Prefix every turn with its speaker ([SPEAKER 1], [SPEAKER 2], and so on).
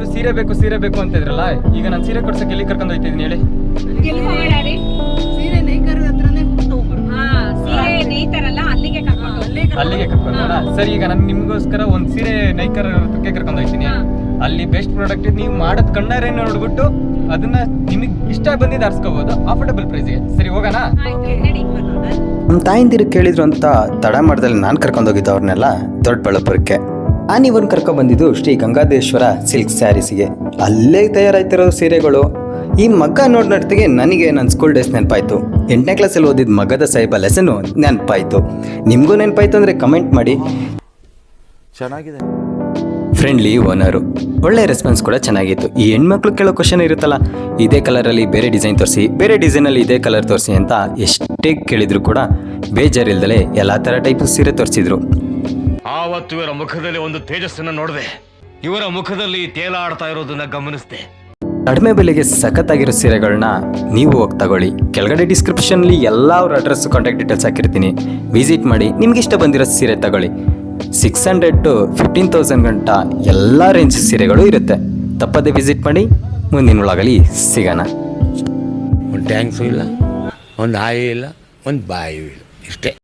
[SPEAKER 1] ಸೀರೆ ಬೇಕು ಅಂತ ಇದ್ರಲ್ಲ, ಈಗ ನಾನು ಸೀರೆ ಕೊಡ್ಸಕ್ಕೆ ಎಲ್ಲಿ ಕರ್ಕೊಂಡು ಹೋಗ್ತಿದ್ದೀನಿ ಹೇಳಿ? ಅಲ್ಲಿಗೆ ಕರ್ಕೊಂಡ. ಸರಿ, ಈಗ ನಾನು ನಿಮ್ಗೋಸ್ಕರ ಒಂದ್ ಸೀರೆ ನೈಕರ್ ಹತ್ರಕ್ಕೆ ಕರ್ಕೊಂಡು ಹೋಗ್ತೀನಿ. ಅಲ್ಲಿ ಬೆಸ್ಟ್ ಪ್ರಾಡಕ್ಟ್ ನೀವು ಮಾಡೋದ್ ಕಣ್ಣಾರೆ ನೋಡ್ಬಿಟ್ಟು ಅದನ್ನ ನಿಮಗೆ ಇಷ್ಟ ಬಂದಿದ್ದು ಆರಿಸ್ಕೋಬಹುದು ಅಫೋರ್ಡಬಲ್ ಪ್ರೈಸ್ಗೆ. ಸರಿ, ಹೋಗೋಣ?
[SPEAKER 2] ನಮ್ಮ ತಾಯಿಂದಿರು ಕೇಳಿದ್ರು ಅಂತ ತಡ ಮಾಡ್ದಲ್ಲಿ ನಾನು ಕರ್ಕೊಂಡೋಗಿದ್ದು ಅವ್ರನ್ನೆಲ್ಲ ದೊಡ್ಡಬಳ್ಳಾಪುರಕ್ಕೆ. ನಾನು ಇವ್ರನ್ನ ಕರ್ಕೊಂಡ್ಬಂದಿದ್ದು ಶ್ರೀ ಗಂಗಾಧೇಶ್ವರ ಸಿಲ್ಕ್ ಸ್ಯಾರೀಸಿಗೆ. ಅಲ್ಲೇ ತಯಾರಾಯ್ತಿರೋ ಸೀರೆಗಳು. ಈ ಮಗ್ಗ ನೋಡ್ನಟ್ಟಿಗೆ ನನಗೆ ನನ್ನ ಸ್ಕೂಲ್ ಡೇಸ್ ನೆನಪಾಯ್ತು. 8ನೇ ಕ್ಲಾಸಲ್ಲಿ ಓದಿದ ಮಗ್ಗದ ಸಾಹಿಬ ಲೆಸನ್ನು ನೆನಪಾಯ್ತು. ನಿಮಗೂ ನೆನಪಾಯ್ತು ಅಂದರೆ ಕಮೆಂಟ್ ಮಾಡಿ.
[SPEAKER 3] ಚೆನ್ನಾಗಿದೆ.
[SPEAKER 2] ಫ್ರೆಂಡ್ಲಿ ಓನರು, ಒಳ್ಳೆ ರೆಸ್ಪಾನ್ಸ್ ಕೂಡ ಚೆನ್ನಾಗಿತ್ತು. ಈ ಹೆಣ್ಮಕ್ಳು ಕೇಳೋ ಕ್ವಶನ್ ಇರುತ್ತಲ್ಲ, ಇದೇ ಕಲರಲ್ಲಿ ಬೇರೆ ಡಿಸೈನ್ ತೋರಿಸಿ, ಬೇರೆ ಡಿಸೈನಲ್ಲಿ ಇದೇ ಕಲರ್ ತೋರಿಸಿ ಅಂತ ಎಷ್ಟೇ ಕೇಳಿದ್ರು ಕೂಡ ಬೇಜಾರಿಲ್ದಲೆ ಎಲ್ಲ ಥರ ಟೈಪ್ ಸೀರೆ ತೋರಿಸಿದ್ರು.
[SPEAKER 4] ಆವತ್ತು ಇವರ ಮುಖದಲ್ಲಿ ಒಂದು ತೇಜಸ್ಸನ್ನು ನೋಡಿದೆ. ಇವರ ಮುಖದಲ್ಲಿ ತೇಲಾಡ್ತಾ ಇರೋದನ್ನ ಗಮನಿಸಿದೆ.
[SPEAKER 2] ಕಡಿಮೆ ಬೆಲೆಗೆ ಸಖತ್ತಾಗಿರೋ ಸೀರೆಗಳನ್ನ ನೀವು ಹೋಗಿ ತಗೊಳ್ಳಿ. ಕೆಳಗಡೆ ಡಿಸ್ಕ್ರಿಪ್ಷನ್ಲಿ ಎಲ್ಲ ಅವ್ರ ಅಡ್ರೆಸ್, ಕಾಂಟ್ಯಾಕ್ಟ್ ಡೀಟೇಲ್ಸ್ ಹಾಕಿರ್ತೀನಿ. ವಿಸಿಟ್ ಮಾಡಿ, ನಿಮ್ಗೆ ಇಷ್ಟ ಬಂದಿರೋ ಸೀರೆ ತಗೊಳ್ಳಿ. 600 to 15,000 ಗಂಟ ಎಲ್ಲ ರೇಂಜ್ ಸೀರೆಗಳು ಇರುತ್ತೆ. ತಪ್ಪದೆ ವಿಸಿಟ್ ಮಾಡಿ. ಮುಂದಿನ ಒಳಗಲಿ ಸಿಗೋಣ.
[SPEAKER 3] ಒಂದು ಟ್ಯಾಂಕ್ಸು ಇಲ್ಲ, ಒಂದು ಆಯಿ ಇಲ್ಲ, ಒಂದು ಬಾಯಿಯೂ ಇಲ್ಲ, ಇಷ್ಟೇ.